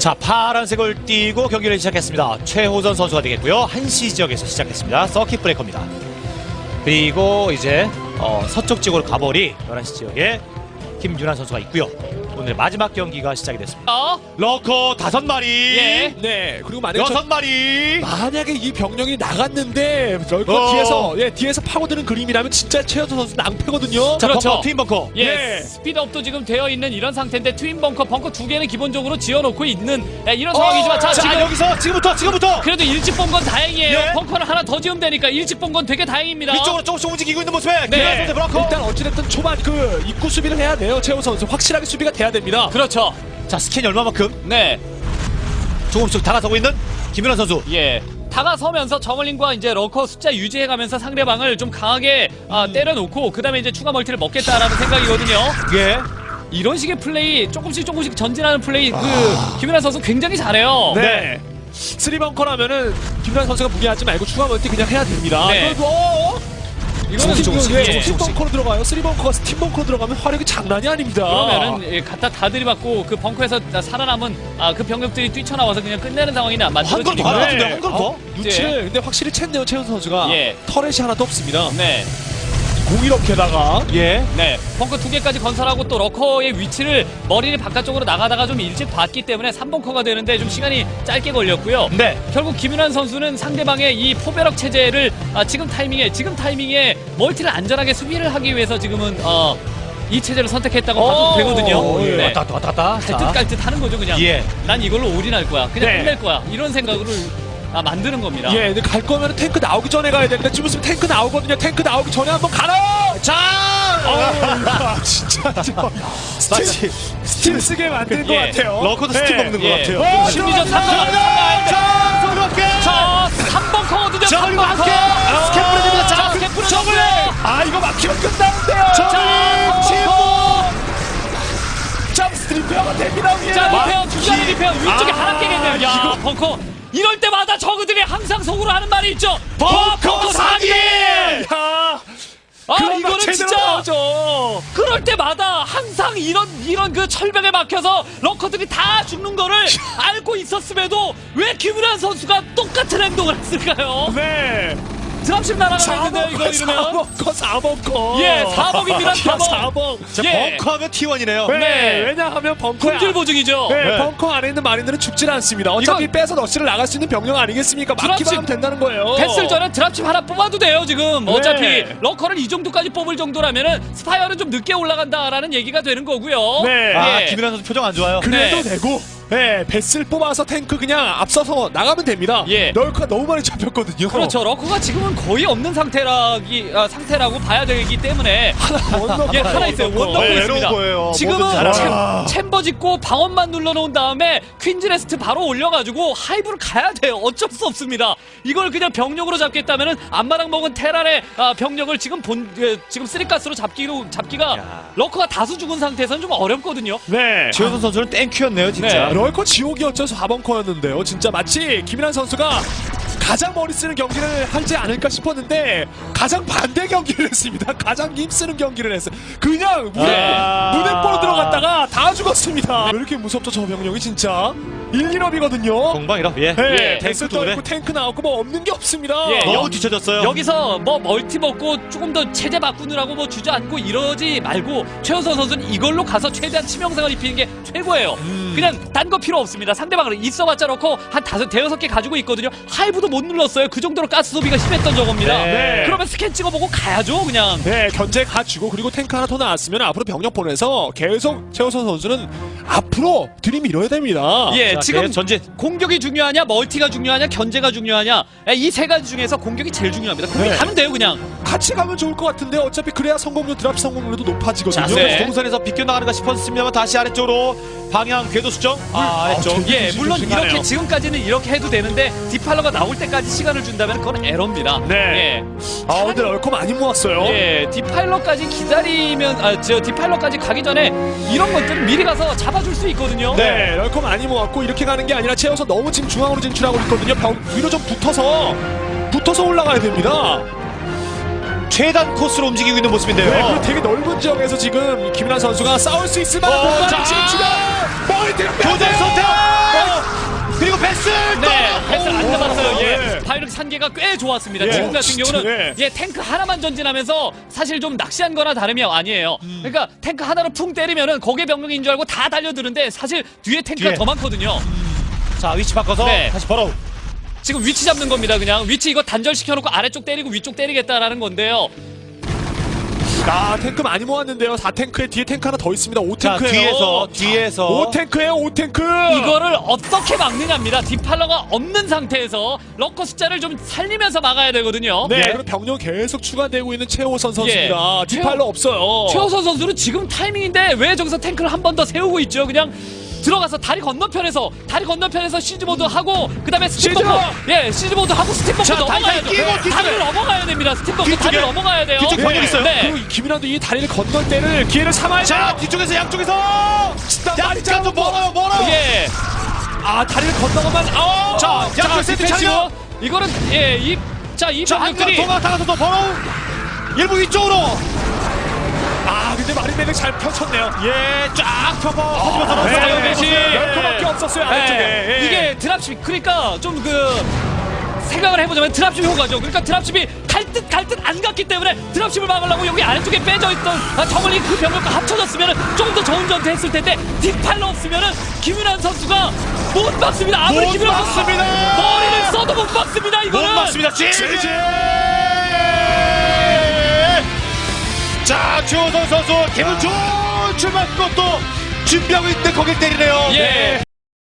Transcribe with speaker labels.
Speaker 1: 자, 파란색을 띄고 경기를 시작했습니다. 최호선 선수가 되겠고요. 1시 지역에서 시작했습니다. 서킷 브레이커입니다. 그리고 이제 서쪽 지역으로 가버리 11시 지역에 김윤환 선수가 있고요. 오늘 마지막 경기가 시작이 됐습니다. 러커 5마리.
Speaker 2: 예.
Speaker 3: 네. 그리고 만약에
Speaker 1: 6마리.
Speaker 3: 만약에 이 병력이 나갔는데 럴커 뒤에서 파고드는 그림이라면 진짜 최현수 선수 낭패거든요.
Speaker 1: 자,
Speaker 2: 그렇죠.
Speaker 1: 벙커, 트윈 벙커.
Speaker 2: 예,
Speaker 3: 네.
Speaker 2: 스피드업도 지금 되어 있는 이런 상태인데 트윈 벙커 2개는 기본적으로 지어놓고 있는 이런 상황이지만 자, 지금
Speaker 1: 여기서 지금부터
Speaker 2: 그래도 일찍 본 건 다행이에요.
Speaker 1: 예.
Speaker 2: 벙커를 하나 더 지으면 되니까 일찍 본 건 되게 다행입니다.
Speaker 1: 위쪽으로 조금씩 움직이고 있는 모습에
Speaker 2: 네.
Speaker 1: 김윤환 선수 브로커.
Speaker 3: 일단 어찌됐든 초반 그 입구 수비를 해야 돼요. 최현수 선수 확실하게 수비가 돼야 됩니다.
Speaker 2: 그렇죠.
Speaker 1: 자, 스캔이 얼마만큼
Speaker 2: 네,
Speaker 1: 조금씩 다가서고 있는 김윤환 선수.
Speaker 2: 예. 다가서면서 저글링과 이제 러커 숫자 유지해가면서 상대방을 좀 강하게 때려놓고 그 다음에 이제 추가 멀티를 먹겠다라는 생각이거든요.
Speaker 1: 예.
Speaker 2: 이런 식의 플레이 조금씩 전진하는 플레이 김윤환 선수 굉장히 잘해요.
Speaker 3: 네. 3벙커라면은 김윤환 선수가 무리하지 말고 추가 멀티 그냥 해야 됩니다.
Speaker 2: 네.
Speaker 3: 이거는
Speaker 1: 조금씩,
Speaker 3: 예,
Speaker 1: 조금씩.
Speaker 3: 스팀벙커로 들어가요. 3벙커가 스팀벙커로 들어가면 화력이 장난이 아닙니다.
Speaker 2: 그러면은 갖다 다 들이받고 그 벙커에서 살아남은 그 병력들이 뛰쳐나와서 그냥 끝내는 상황이
Speaker 1: 한 걸 더
Speaker 2: 만들어지니까.
Speaker 1: 하는 것 같은데, 한 걸 더?
Speaker 3: 눈치를 근데 확실히 챘네요. 최현수 선수가
Speaker 2: 예.
Speaker 3: 터렛이 하나도 없습니다.
Speaker 2: 네,
Speaker 3: 공이롭게다가
Speaker 1: 예.
Speaker 2: 네. 벙커 2개까지 건설하고 또 러커의 위치를 머리를 바깥쪽으로 나가다가 좀 일찍 봤기 때문에 3벙커가 되는데 좀 시간이 짧게 걸렸고요.
Speaker 1: 네.
Speaker 2: 결국 김윤환 선수는 상대방의 이 포배럭 체제를 지금 타이밍에 멀티를 안전하게 수비를 하기 위해서 지금은 이 체제를 선택했다고 봐도 되거든요.
Speaker 1: 예.
Speaker 2: 네.
Speaker 1: 왔다 갔다.
Speaker 2: 갈듯 하는 거죠 그냥.
Speaker 1: 예.
Speaker 2: 난 이걸로 올인할 거야. 그냥
Speaker 3: 네.
Speaker 2: 끝낼 거야. 이런 생각으로 만드는 겁니다.
Speaker 3: 예, 근데 갈 거면 탱크 나오기 전에 가야 되는데 지금 있으면 탱크 나오거든요. 탱크 나오기 전에 한번 가라!
Speaker 1: 자!
Speaker 3: 진짜
Speaker 1: 마치
Speaker 3: 스팀 쓰게 만든 것
Speaker 2: 예.
Speaker 3: 같아요.
Speaker 1: 러커도 스팀 먹는 것
Speaker 2: 예.
Speaker 1: 같아요.
Speaker 2: 심리전 3번.
Speaker 1: 자, 소리 함께.
Speaker 2: 자, 3벙커거든요.
Speaker 1: 자, 그리고 함께 스캔 뿌려줍니다. 자,
Speaker 2: 스캔 뿌려줬고요.
Speaker 1: 저글링.
Speaker 3: 아, 이거 막히면 끝나는데요.
Speaker 1: 저글링 침묵.
Speaker 3: 점스 리페어가 됩니다. 위에.
Speaker 2: 자, 리페어, 중간에 리페어, 위쪽에 하나 깨겠네요. 야,
Speaker 3: 이거
Speaker 2: 벙커. 이럴 때마다 저그들이 항상 속으로 하는 말이 있죠.
Speaker 1: 벙커 사기!
Speaker 2: 이거는 진짜
Speaker 3: 나오죠.
Speaker 2: 그럴 때마다 항상 이런 그 철벽에 막혀서 러커들이 다 죽는 거를 알고 있었음에도 왜 김윤환 선수가 똑같은 행동을 했을까요?
Speaker 3: 네.
Speaker 2: 드랍십 날아가는데 이거 이러면
Speaker 3: 4벙커.
Speaker 2: 예, 4벙입니다. 4벙.
Speaker 1: 자,
Speaker 2: 예.
Speaker 1: 벙커하면 T1이네요.
Speaker 3: 네.
Speaker 2: 네.
Speaker 3: 왜냐하면 벙커야.
Speaker 2: 품질 보증이죠.
Speaker 3: 네,
Speaker 1: 네.
Speaker 3: 벙커 안에 있는 마린들은 죽질 않습니다. 어차피
Speaker 2: 이건-
Speaker 3: 빼서 러시를 나갈 수 있는 병력 아니겠습니까? 막기만
Speaker 2: 드랍십-
Speaker 3: 하면 된다는 거예요.
Speaker 2: 패스를 전에 드랍칩 하나 뽑아도 돼요 지금. 어차피
Speaker 3: 네.
Speaker 2: 러커를 이 정도까지 뽑을 정도라면은 스파이어는 좀 늦게 올라간다라는 얘기가 되는 거고요.
Speaker 3: 네.
Speaker 1: 아,
Speaker 2: 예.
Speaker 1: 김윤환 선수 표정 안 좋아요.
Speaker 3: 그래도
Speaker 2: 네.
Speaker 3: 되고, 네, 배스를 뽑아서 탱크 그냥 앞서서 나가면 됩니다.
Speaker 2: 예.
Speaker 3: 널커가 너무 많이 잡혔거든요.
Speaker 2: 그렇죠. 러커가 지금은 거의 없는 상태라고 봐야 되기 때문에 예, 하나 있어요. 원 넣고
Speaker 1: 네,
Speaker 2: 있습니다.
Speaker 1: 외로운 거예요.
Speaker 2: 지금은
Speaker 1: 뭐든 잘하라.
Speaker 2: 챔버 짓고 방어만 눌러놓은 다음에 퀸즈레스트 바로 올려가지고 하이브를 가야 돼요. 어쩔 수 없습니다. 이걸 그냥 병력으로 잡겠다면은 앞마당 먹은 테란의 병력을 지금 지금 쓰리가스로 잡기가
Speaker 1: 야.
Speaker 2: 러커가 다수 죽은 상태에서는 좀 어렵거든요.
Speaker 3: 네.
Speaker 1: 최효선 선수는 땡큐였네요, 진짜.
Speaker 2: 네.
Speaker 3: 럴커 지옥이었죠. 4벙커였는데요. 진짜 마치 김인환 선수가 가장 머리 쓰는 경기를 하지 않을까 싶었는데 가장 반대 경기를 했습니다. 가장 힘쓰는 경기를 했어요. 그냥 무대뽀로 들어갔다가 다 죽었습니다. 왜 이렇게 무섭죠, 저 병력이 진짜. 1-1업이거든요.
Speaker 1: 공방이라. 예.
Speaker 3: 네,
Speaker 1: 탱크
Speaker 3: 탱크
Speaker 1: 도
Speaker 3: 있고 탱크 나왔고 뭐 없는 게 없습니다.
Speaker 2: 예,
Speaker 1: 너무 뒤쳐졌어요.
Speaker 2: 여기서 뭐 멀티 먹고 조금 더 체제 바꾸느라고 뭐 주저앉고 이러지 말고 최우선 선수는 이걸로 가서 최대한 치명상을 입히는 게 최고예요. 그냥 딴 거 필요 없습니다. 상대방을 있어봤자 놓고 한 5-6개 가지고 있거든요. 하이브도 못 눌렀어요. 그 정도로 가스 소비가 심했던 저겁니다.
Speaker 1: 네.
Speaker 2: 그러면 스캔 찍어보고 가야죠 그냥.
Speaker 3: 네, 견제 가주고 그리고 탱크 하나 더 나왔으면 앞으로 병력 보내서 계속 최우선 선수는 앞으로 들이밀어야 됩니다.
Speaker 2: 예,
Speaker 1: 자,
Speaker 2: 지금
Speaker 1: 계속 전진.
Speaker 2: 공격이 중요하냐 멀티가 중요하냐 견제가 중요하냐 이 세 가지 중에서 공격이 제일 중요합니다. 공격이
Speaker 3: 네.
Speaker 2: 가면 돼요 그냥.
Speaker 3: 같이 가면 좋을 것 같은데 어차피 그래야 성공률 드랍 성공률도 높아지거든요.
Speaker 1: 자,
Speaker 2: 네.
Speaker 1: 동선에서 비껴나가는가 싶었습니다만 다시 아래쪽으로 방향 궤도 수정. 아래쪽.
Speaker 3: 제-
Speaker 2: 예, 물론
Speaker 3: 조심하네요.
Speaker 2: 이렇게 지금까지는 이렇게 해도 되는데 디팔러가 나올 때까지 시간을 준다면 그건 에러입니다.
Speaker 3: 네. 아, 근데 럴커 많이 모았어요.
Speaker 2: 예, 디파일러까지 기다리면 저 디파일러까지 가기 전에 이런 것들은 미리 가서 잡아줄 수 있거든요.
Speaker 3: 네, 럴커 많이 모았고 이렇게 가는 게 아니라 채워서 너무 지금 중앙으로 진출하고 있거든요. 위로 좀 붙어서 올라가야 됩니다.
Speaker 1: 최단 코스로 움직이고 있는 모습인데요.
Speaker 3: 네, 그리고 되게 넓은 지역에서 지금 김인환 선수가 싸울 수 있을 만한 공간을
Speaker 1: 자.
Speaker 3: 진출해. 멀티
Speaker 1: 교전 선택. 패스.
Speaker 2: 네, 패스를 안 잡았어요.
Speaker 3: 오,
Speaker 2: 예.
Speaker 3: 네.
Speaker 2: 바이오닉 산계가 꽤 좋았습니다.
Speaker 3: 예,
Speaker 2: 지금 같은
Speaker 3: 진짜,
Speaker 2: 경우는
Speaker 3: 네.
Speaker 2: 탱크 하나만 전진하면서 사실 좀 낚시한 거나 다름이 아니에요. 그러니까 탱크 하나로 풍 때리면은 거기에 병력인 줄 알고 다 달려드는데 사실 뒤에 탱크가
Speaker 1: 뒤에.
Speaker 2: 더 많거든요.
Speaker 1: 자, 위치 바꿔서
Speaker 2: 네.
Speaker 1: 다시 벌어.
Speaker 2: 지금 위치 잡는 겁니다. 그냥 위치 이거 단절시켜놓고 아래쪽 때리고 위쪽 때리겠다라는 건데요.
Speaker 3: 탱크 많이 모았는데요. 4탱크에 뒤에 탱크 하나 더 있습니다.
Speaker 1: 자,
Speaker 3: 5탱크예요.
Speaker 1: 뒤에서
Speaker 3: 5탱크예요. 5탱크.
Speaker 2: 이거를 어떻게 막느냐입니다. 디팔러가 없는 상태에서 러커 숫자를 좀 살리면서 막아야 되거든요.
Speaker 3: 네,
Speaker 1: 예.
Speaker 3: 그리고 병력 계속 추가되고 있는 최호선 선수입니다.
Speaker 2: 예.
Speaker 3: 디팔로 없어요.
Speaker 2: 최호선 선수는 지금 타이밍인데 왜 저기서 탱크를 한 번 더 세우고 있죠? 그냥 들어가서 다리 건너편에서 시즈보드 하고 그다음에 스팀버크 시즈보드 하고 스팀버크
Speaker 1: 자,
Speaker 2: 넘어가야
Speaker 1: 다리 끼고
Speaker 2: 돼요.
Speaker 1: 뒤쪽에.
Speaker 2: 다리를 넘어가야 됩니다. 스팀버크
Speaker 1: 뒤쪽에.
Speaker 2: 다리를 넘어가야 돼요.
Speaker 1: 뒤쪽 병력 있어요.
Speaker 2: 네.
Speaker 3: 그리고 김이란도 이 다리를 건널 때를 기회를 삼아야
Speaker 1: 자,
Speaker 3: 돼요.
Speaker 1: 뒤쪽에서 양쪽에서 약간 좀 멀어요.
Speaker 2: 예.
Speaker 3: 다리를 건너가면
Speaker 1: 자, 양쪽 세트
Speaker 2: 디펜시브.
Speaker 1: 차려.
Speaker 2: 이거는 이
Speaker 1: 자, 한강
Speaker 2: 병력들이
Speaker 1: 동강 다가서서 벌어. 일부 위쪽으로.
Speaker 3: 근데 마린메딕 잘 펼쳤네요.
Speaker 1: 예, 쫙 펴고 하지만
Speaker 3: 네,
Speaker 2: 사이언 배시.
Speaker 3: 10%밖에 없었어요. 아래쪽에.
Speaker 2: 네. 이게 드랍십 그러니까 좀 생각을 해보자면 드랍십 효과죠. 그러니까 드랍십이 갈 듯 안 갔기 때문에 드랍십을 막으려고 여기 아래쪽에 빼져 있던 정원이 그 병력과 합쳐졌으면 조금 더 좋은 전투 했을 텐데 뒷팔로 없으면은 김윤환 선수가 못 막습니다. 아무리
Speaker 1: 못
Speaker 2: 김윤환 선수가
Speaker 1: 막습니다.
Speaker 2: 머리를 써도 못 막습니다.
Speaker 1: 못
Speaker 2: 이거는
Speaker 1: 맞습니다. 지지. 자, 최호선 선수 기분 좋은 출발 것도 준비하고 있는데 거길 때리네요.
Speaker 2: 예.